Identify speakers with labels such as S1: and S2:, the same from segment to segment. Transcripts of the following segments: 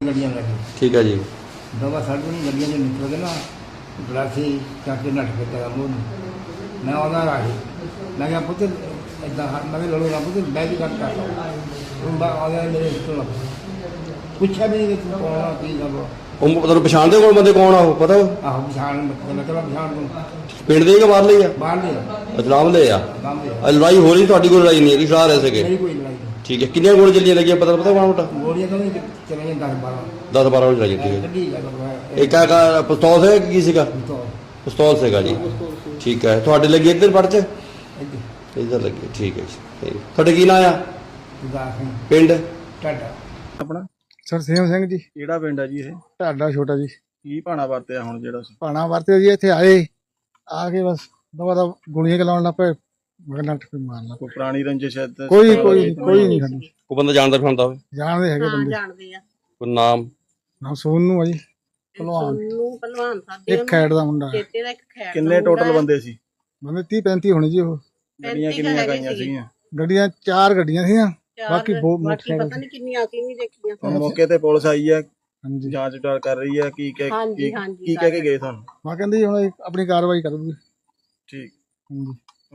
S1: ਗੱਡੀਆਂ ਲੈ ਕੇ
S2: ठीक है जी।
S1: ਦਵਾ ਸਾਡੇ ਨੂੰ ਗੱਡੀਆਂ 'ਚ ਨਿਕਲ ਕੇ ਨਾ ਗਲਾਸੀ ਚੱਕ ਕੇ ਨੱਠ ਕੇ ਤੇਰਾ ਮੂੰਹ ਨੂੰ ਮੈਂ ਆਉਂਦਾ ਰਾਹੀ ਮੈਂ ਕਿਹਾ ਪੁੱਤ ਇੱਦਾਂ ਮੈਂ ਵੀ ਲੜੂਗਾ ਪੁੱਤ ਬੈਗ ਕੱਟ ਕਰ ਹੁਣ ਆਉਂਦਾ ਮੇਰੇ ਤੋਂ ਪੁੱਛਿਆ ਵੀ ਨਹੀਂ ਕਿ ਤੂੰ ਕੌਣ ਆ ਕੀ ਗੱਲ
S2: ਉਹ ਤੁਹਾਨੂੰ ਪਛਾਣਦੇ ਕੋਲ ਬੰਦੇ ਕੌਣ ਆ ਉਹ ਪਤਾ ਵਾ?
S1: ਆਹੋ ਪਛਾਣ ਮਤਲਬ ਪਛਾਣ ਤੂੰ
S2: ਪਿੰਡ ਦੇ ਹੀ ਕਿ ਬਾਹਰਲੇ ਹੀ ਆ?
S1: ਬਾਹਰ ਦੇ
S2: ਅਜਲਾਮ ਦੇ ਆ।
S1: ਕੰਮ ਦੇ
S2: ਲੜਾਈ ਹੋ ਰਹੀ ਤੁਹਾਡੀ ਕੋਲ ਲੜਾਈ ਨਹੀਂ ਹੈਗੀ ਸਾਰ ਰਹੇ ਸੀਗੇ?
S1: ਮੇਰੀ ਕੋਈ ਲੜਾਈ ਨਹੀਂ
S2: ठीक है। कितने गोली चलिए लगी पता माड़ा मोटा?
S1: ਗੋਲੀਆਂ ਤਾਂ ਨਹੀਂ ਚਲੀਆਂ 10-12
S2: 10-12 गोली लगी थी।
S1: ਗੱਡੀ
S2: एक का पिस्तौल है कि किसी का?
S1: ਤੋਂ
S2: पिस्तौल से जी। ठीक है। थोड़े लगी इधर पड़ च
S1: ਇੱਥੇ
S2: इधर लगी। ठीक है जी। थोड़े की ना आ
S1: ਦਾ
S2: पिंड?
S1: ਟਾਟਾ
S3: ਆਪਣਾ
S4: ਸਰਸੇਮ ਸਿੰਘ ਜੀ,
S3: ਕਿਹੜਾ ਪਿੰਡ ਹੈ ਜੀ ਇਹ?
S4: ਢਾਡਾ ਛੋਟਾ ਜੀ।
S3: ਕੀ ਭਾਣਾ ਵਰਤਿਆ ਹੁਣ ਜਿਹੜਾ ਸੀ?
S4: ਭਾਣਾ ਵਰਤੇ ਜੀ ਇੱਥੇ ਆਏ ਆ ਕੇ ਬਸ ਦਵਾ ਦਾ ਗੋਲੀਆਂ ਚਲਾਉਣ ਲੱਗ ਪਏ। ਮੈਂ ਨੱਠ ਕੇ ਮਾਰਨਾ।
S3: ਕੋਈ ਪੁਰਾਣੀ ਰੰਜਿਸ਼ ਹੈ ਤੇ
S4: ਕੋਈ ਨਹੀਂ ਸਾਡੀ
S2: कोई बंदा जानता फिरता हो?
S4: ਜਾਣਦੇ ਹੈਗੇ ਬੰਦੇ।
S5: ਜਾਣਦੇ ਆ
S2: कोई नाम?
S4: ਨਾ ਸੋਨੂ ਆ ਜੀ, ਭਲਵਾਨ।
S5: ਸੋਨੂੰ ਪਹਿਲਵਾਨ ਸਾਡੇ
S4: ਇੱਕ ਖੈੜ ਦਾ ਮੁੰਡਾ।
S5: ਚੇਤੇ ਦਾ ਇੱਕ ਖੈੜ
S3: ਕਿੰਨੇ ਟੋਟਲ ਬੰਦੇ ਸੀ?
S4: ਬੰਦੇ 30-35 ਹੋਣੇ ਜੀ। ਉਹ
S3: ਗੱਡੀਆਂ ਕਿੰਨੀਆਂ ਗਈਆਂ ਸੀਗੀਆਂ?
S4: ਗੱਡੀਆਂ 4 ਗੱਡੀਆਂ ਸੀਗੀਆਂ, ਬਾਕੀ ਬਹੁਤ
S5: ਬਾਕੀ
S4: ਮੋਟਰਸਾਈਕਲ
S5: ਪਤਾ ਨਹੀਂ ਕਿੰਨੀਆਂ ਸੀ ਨਹੀਂ ਦੇਖੀਆਂ
S3: ਹੁਣ ਮੌਕੇ ਤੇ ਪੁਲਿਸ ਆਈ ਹੈ,
S4: ਹਾਂਜੀ।
S3: ਜਾਂਚ ਪੜਤਾਲ ਕਰ ਰਹੀ ਹੈ। ਕੀ ਕਹਿ
S5: ਹਾਂਜੀ, ਹਾਂਜੀ,
S3: ਕੀ ਕਹਿ ਕੇ ਗਏ ਤੁਹਾਨੂੰ?
S4: ਮੈਂ ਕਹਿੰਦੀ ਹੁਣ ਇਹ ਆਪਣੀ ਕਾਰਵਾਈ ਕਰੂਗੀ।
S3: ਠੀਕ।
S4: ਹਾਂਜੀ।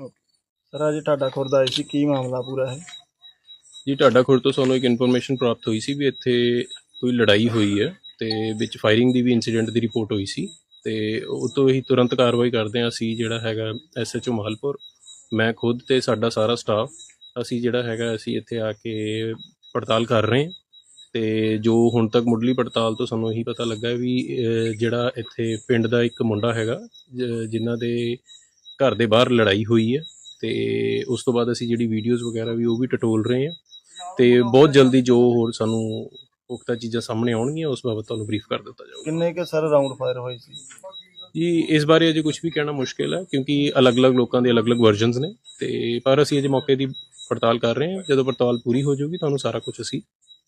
S3: ਸਰ ਅੱਜ ਤੁਹਾਡਾ ਖੁਰਦ ਆਏ ਸੀ, ਕੀ ਮਾਮਲਾ ਪੂਰਾ ਹੈ?
S6: ਜੀ ਢਾਡਾ ਖੁਰਦ ਤੋਂ ਸਾਨੂੰ ਇੱਕ ਇਨਫੋਰਮੇਸ਼ਨ ਪ੍ਰਾਪਤ ਹੋਈ ਸੀ ਵੀ ਇੱਥੇ ਕੋਈ ਲੜਾਈ ਹੋਈ ਹੈ ਤੇ ਵਿੱਚ ਫਾਇਰਿੰਗ ਦੀ ਵੀ ਇਨਸੀਡੈਂਟ ਦੀ ਰਿਪੋਰਟ ਹੋਈ ਸੀ ਤੇ ਉਹ ਤੋਂ ਹੀ ਤੁਰੰਤ ਕਾਰਵਾਈ ਕਰਦੇ ਹਾਂ ਅਸੀਂ ਜਿਹੜਾ ਹੈਗਾ ਐਸਐਚਓ ਮਾਹਲਪੁਰ, ਮੈਂ ਖੁਦ ਤੇ ਸਾਡਾ ਸਾਰਾ ਸਟਾਫ ਅਸੀਂ ਜਿਹੜਾ ਹੈਗਾ ਅਸੀਂ ਇੱਥੇ ਆ ਕੇ ਪੜਤਾਲ ਕਰ ਰਹੇ ਹਾਂ ਤੇ ਜੋ ਹੁਣ ਤੱਕ ਮੁੱਢਲੀ ਪੜਤਾਲ ਤੋਂ ਸਾਨੂੰ ਇਹੀ ਪਤਾ ਲੱਗਾ ਵੀ ਜਿਹੜਾ ਇੱਥੇ ਪਿੰਡ ਦਾ ਇੱਕ ਮੁੰਡਾ ਹੈਗਾ ਜਿਨ੍ਹਾਂ ਦੇ ਘਰ ਦੇ ਬਾਹਰ ਲੜਾਈ ਹੋਈ ਹੈ ਤੇ ਉਸ ਤੋਂ ਬਾਅਦ ਅਸੀਂ ਜਿਹੜੀ ਵੀਡੀਓਜ਼ ਵਗੈਰਾ ਵੀ ਉਹ ਵੀ ਟਟੋਲ ਰਹੇ ਹਾਂ ਤੇ ਬਹੁਤ ਜਲਦੀ ਜੋ ਹੋਰ ਸਾਨੂੰ ਪੁਖਤਾ ਚੀਜ਼ਾਂ ਸਾਹਮਣੇ ਆਉਣਗੀਆਂ ਉਸ ਬਾਬਤ ਤੁਹਾਨੂੰ ਬਰੀਫ ਕਰ ਦਿੱਤਾ ਜਾਊਗਾ।
S3: ਕਿੰਨੇ ਕੇ ਸਰ ਰਾਉਂਡ ਫਾਇਰ ਹੋਏ ਸੀ?
S6: ਜੀ ਇਸ ਬਾਰੇ ਅਜੇ ਕੁਝ ਵੀ ਕਹਿਣਾ ਮੁਸ਼ਕਿਲ ਹੈ ਕਿਉਂਕਿ ਅਲੱਗ-ਅਲੱਗ ਲੋਕਾਂ ਦੇ ਅਲੱਗ-ਅਲੱਗ ਵਰਜ਼ਨਸ ਨੇ ਤੇ ਪਰ ਅਸੀਂ ਅਜੇ ਮੌਕੇ ਦੀ ਪੜਤਾਲ ਕਰ ਰਹੇ ਹਾਂ। ਜਦੋਂ ਪੜਤਾਲ ਪੂਰੀ ਹੋ ਜਾਊਗੀ ਤੁਹਾਨੂੰ ਸਾਰਾ ਕੁਝ ਅਸੀਂ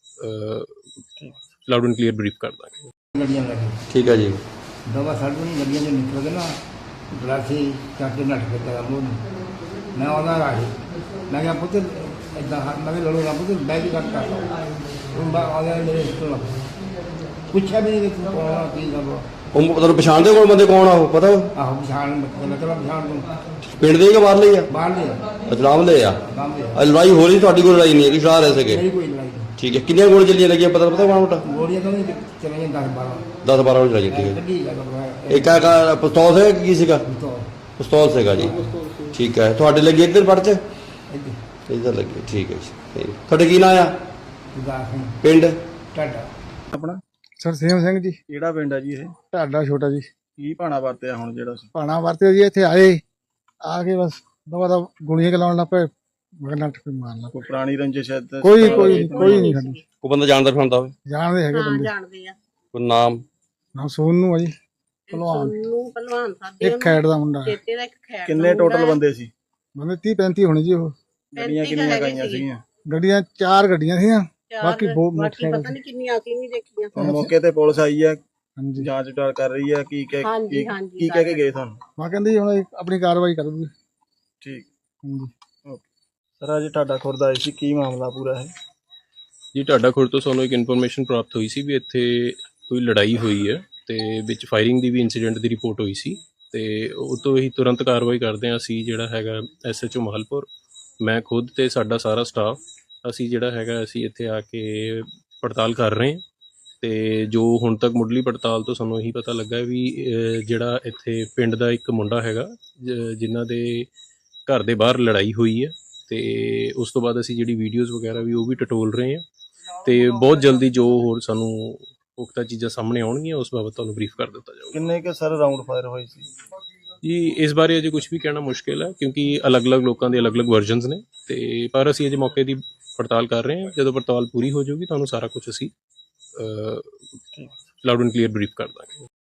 S6: ਲਾਊਡ ਐਂਡ ਕਲੀਅਰ ਬਰੀਫ ਕਰ ਦਾਂਗੇ।
S1: ਗੱਡੀਆਂ ਲੈ ਕੇ
S2: ठीक है जी।
S1: ਦਵਾ ਸਾਡੇ ਨੂੰ ਗੱਡੀਆਂ 'ਚ ਨਿਕਲ ਕੇ ਨਾ ਗਲਾਸੀ ਚੱਕ ਕੇ ਨੱਠ ਕੇ ਤੇਰਾ ਮੂੰਹ ਨੂੰ ਮੈਂ ਆਉਂਦਾ ਰਾਹੀ ਮੈਂ ਕਿਹਾ ਪੁੱਤ ਇੱਦਾਂ ਮੈਂ ਵੀ ਲੜੂਗਾ ਪੁੱਤ ਬੈਗ ਕੱਟ ਕਰ ਹੁਣ ਆਉਂਦਾ ਮੇਰੇ ਤੋਂ ਪੁੱਛਿਆ ਵੀ ਨਹੀਂ ਕਿ ਤੂੰ ਕੌਣ ਆ ਕੀ ਗੱਲ
S2: ਉਹ ਤੁਹਾਨੂੰ ਪਛਾਣਦੇ ਕੋਲ ਬੰਦੇ ਕੌਣ ਆ ਉਹ ਪਤਾ ਵਾ?
S1: ਆਹੋ ਪਛਾਣ ਮਤਲਬ ਪਛਾਣ ਤੂੰ
S2: ਪਿੰਡ ਦੇ ਹੀ ਕਿ ਬਾਹਰਲੇ ਹੀ ਆ?
S1: ਬਾਹਰ ਦੇ
S2: ਅਜਲਾਮ ਦੇ ਆ।
S1: ਕੰਮ ਦੇ
S2: ਲੜਾਈ ਹੋ ਰਹੀ ਤੁਹਾਡੀ ਕੋਲ ਲੜਾਈ ਨਹੀਂ ਹੈਗੀ ਸਾਰ ਰਹੇ ਸੀਗੇ?
S1: ਮੇਰੀ ਕੋਈ ਲੜਾਈ ਨਹੀਂ
S2: ठीक है। कितने गोली चलिए लगी पता माड़ा मोटा?
S1: ਗੋਲੀਆਂ ਤਾਂ ਨਹੀਂ ਚਲੀਆਂ 10-12
S2: 10-12 गोली लगी थी।
S1: ਗੱਡੀ
S2: एक का पिस्तौल है कि किसी का?
S1: ਤੋਂ
S2: पिस्तौल से जी। ठीक है। थोड़े लगी इधर पड़ च
S1: ਇੱਥੇ
S2: इधर लगी। ठीक है जी। थोड़े की ना आ
S1: ਦਾ
S2: पिंड?
S1: ਟਾਟਾ
S3: ਆਪਣਾ
S4: ਸਰਸੇਮ ਸਿੰਘ ਜੀ,
S3: ਕਿਹੜਾ ਪਿੰਡ ਹੈ ਜੀ ਇਹ?
S4: ਢਾਡਾ ਛੋਟਾ ਜੀ।
S3: ਕੀ ਭਾਣਾ ਵਰਤਿਆ ਹੁਣ ਜਿਹੜਾ ਸੀ?
S4: ਭਾਣਾ ਵਰਤੇ ਜੀ ਇੱਥੇ ਆਏ ਆ ਕੇ ਬਸ ਦਵਾ ਦਾ ਗੋਲੀਆਂ ਚਲਾਉਣ ਲੱਗ ਪਏ। ਮੈਂ ਨੱਠ ਕੇ ਮਾਰਨਾ।
S3: ਕੋਈ ਪੁਰਾਣੀ ਰੰਜਿਸ਼ ਹੈ ਤੇ
S4: ਕੋਈ ਨਹੀਂ ਸਾਡੀ
S2: कोई बंदा जानता फिरता हो?
S4: ਜਾਣਦੇ ਹੈਗੇ
S5: ਹਾਂ
S4: ਬੰਦੇ।
S5: ਜਾਣਦੇ ਆ
S2: कोई नाम?
S4: ਨਾ ਸੋਨੂ ਆ ਜੀ, ਭਲਵਾਨ।
S5: ਸੋਨੂੰ ਪਹਿਲਵਾਨ ਸਾਡੇ
S4: ਇੱਕ ਖੈੜ ਦਾ ਮੁੰਡਾ।
S5: ਚੇਤੇ ਦਾ ਇੱਕ ਖੈੜ
S3: ਕਿੰਨੇ ਟੋਟਲ ਬੰਦੇ ਸੀ?
S4: ਬੰਦੇ 30-35 ਹੋਣੇ ਜੀ। ਉਹ
S3: ਗੱਡੀਆਂ ਕਿੰਨੀਆਂ ਗਈਆਂ ਸੀਗੀਆਂ?
S4: ਗੱਡੀਆਂ 4 ਗੱਡੀਆਂ ਸੀਗੀਆਂ, ਬਾਕੀ ਬਹੁਤ
S5: ਬਾਕੀ
S4: ਮੋਟਰਸਾਈਕਲ।
S5: ਪਤਾ ਨਹੀਂ ਕਿੰਨੀਆਂ ਸੀ ਨਹੀਂ ਦੇਖੀਆਂ
S3: ਹੁਣ ਮੌਕੇ ਤੇ ਪੁਲਿਸ ਆਈ ਹੈ,
S4: ਹਾਂਜੀ।
S3: ਜਾਂਚ ਪੜਤਾਲ ਕਰ ਰਹੀ ਹੈ। ਕੀ ਕਹਿ
S5: ਹਾਂਜੀ, ਹਾਂਜੀ,
S3: ਕੀ ਕਹਿ ਕੇ ਗਏ ਤੁਹਾਨੂੰ?
S4: ਮੈਂ ਕਹਿੰਦੀ ਹੁਣ ਇਹ ਆਪਣੀ ਕਾਰਵਾਈ ਕਰੂਗੀ।
S3: ਠੀਕ।
S4: ਹਾਂਜੀ।
S3: ਸਰ ਅੱਜ ਤੁਹਾਡਾ ਖੁਰਦ ਆਏ ਸੀ, ਕੀ ਮਾਮਲਾ ਪੂਰਾ ਹੈ?
S6: ਜੀ ਢਾਡਾ ਖੁਰਦ ਤੋਂ ਸਾਨੂੰ ਇੱਕ ਇਨਫੋਰਮੇਸ਼ਨ ਪ੍ਰਾਪਤ ਹੋਈ ਸੀ ਵੀ ਇੱਥੇ ਕੋਈ ਲੜਾਈ ਹੋਈ ਹੈ ਤੇ ਵਿੱਚ ਫਾਇਰਿੰਗ ਦੀ ਵੀ ਇਨਸੀਡੈਂਟ ਦੀ ਰਿਪੋਰਟ ਹੋਈ ਸੀ ਤੇ ਉਹ ਤੋਂ ਹੀ ਤੁਰੰਤ ਕਾਰਵਾਈ ਕਰਦੇ ਹਾਂ ਅਸੀਂ ਜਿਹੜਾ ਹੈਗਾ ਐਸਐਚਓ ਮਾਹਲਪੁਰ, ਮੈਂ ਖੁਦ ਤੇ ਸਾਡਾ ਸਾਰਾ ਸਟਾਫ ਅਸੀਂ ਜਿਹੜਾ ਹੈਗਾ ਅਸੀਂ ਇੱਥੇ ਆ ਕੇ ਪੜਤਾਲ ਕਰ ਰਹੇ ਹਾਂ ਤੇ ਜੋ ਹੁਣ ਤੱਕ ਮੁੱਢਲੀ ਪੜਤਾਲ ਤੋਂ ਸਾਨੂੰ ਇਹੀ ਪਤਾ ਲੱਗਾ ਵੀ ਜਿਹੜਾ ਇੱਥੇ ਪਿੰਡ ਦਾ ਇੱਕ ਮੁੰਡਾ ਹੈਗਾ ਜਿਨ੍ਹਾਂ ਦੇ ਘਰ ਦੇ ਬਾਹਰ ਲੜਾਈ ਹੋਈ ਹੈ ਤੇ ਉਸ ਤੋਂ ਬਾਅਦ ਅਸੀਂ ਜਿਹੜੀ ਵੀਡੀਓਜ਼ ਵਗੈਰਾ ਵੀ ਉਹ ਵੀ ਟਟੋਲ ਰਹੇ ਹਾਂ ਤੇ ਬਹੁਤ ਜਲਦੀ ਜੋ ਹੋਰ ਸਾਨੂੰ ਪੁਖਤਾ ਚੀਜ਼ਾਂ ਸਾਹਮਣੇ ਆਉਣਗੀਆਂ ਉਸ ਬਾਬਤ ਤੁਹਾਨੂੰ ਬਰੀਫ ਕਰ ਦਿੱਤਾ ਜਾਊਗਾ।
S3: ਕਿੰਨੇ ਕੇ ਸਰ ਰਾਉਂਡ ਫਾਇਰ ਹੋਏ ਸੀ?
S6: ਜੀ ਇਸ ਬਾਰੇ ਅਜੇ ਕੁਝ ਵੀ ਕਹਿਣਾ ਮੁਸ਼ਕਿਲ ਹੈ ਕਿਉਂਕਿ ਅਲੱਗ-ਅਲੱਗ ਲੋਕਾਂ ਦੇ ਅਲੱਗ-ਅਲੱਗ ਵਰਜ਼ਨਸ ਨੇ ਤੇ ਪਰ ਅਸੀਂ ਅਜੇ ਮੌਕੇ ਦੀ ਪੜਤਾਲ ਕਰ ਰਹੇ ਹਾਂ। ਜਦੋਂ ਪੜਤਾਲ ਪੂਰੀ ਹੋ ਜਾਊਗੀ ਤੁਹਾਨੂੰ ਸਾਰਾ ਕੁਝ ਅਸੀਂ ਲਾਊਡ ਐਂਡ ਕਲੀਅਰ ਬਰੀਫ ਕਰ ਦਾਂਗੇ।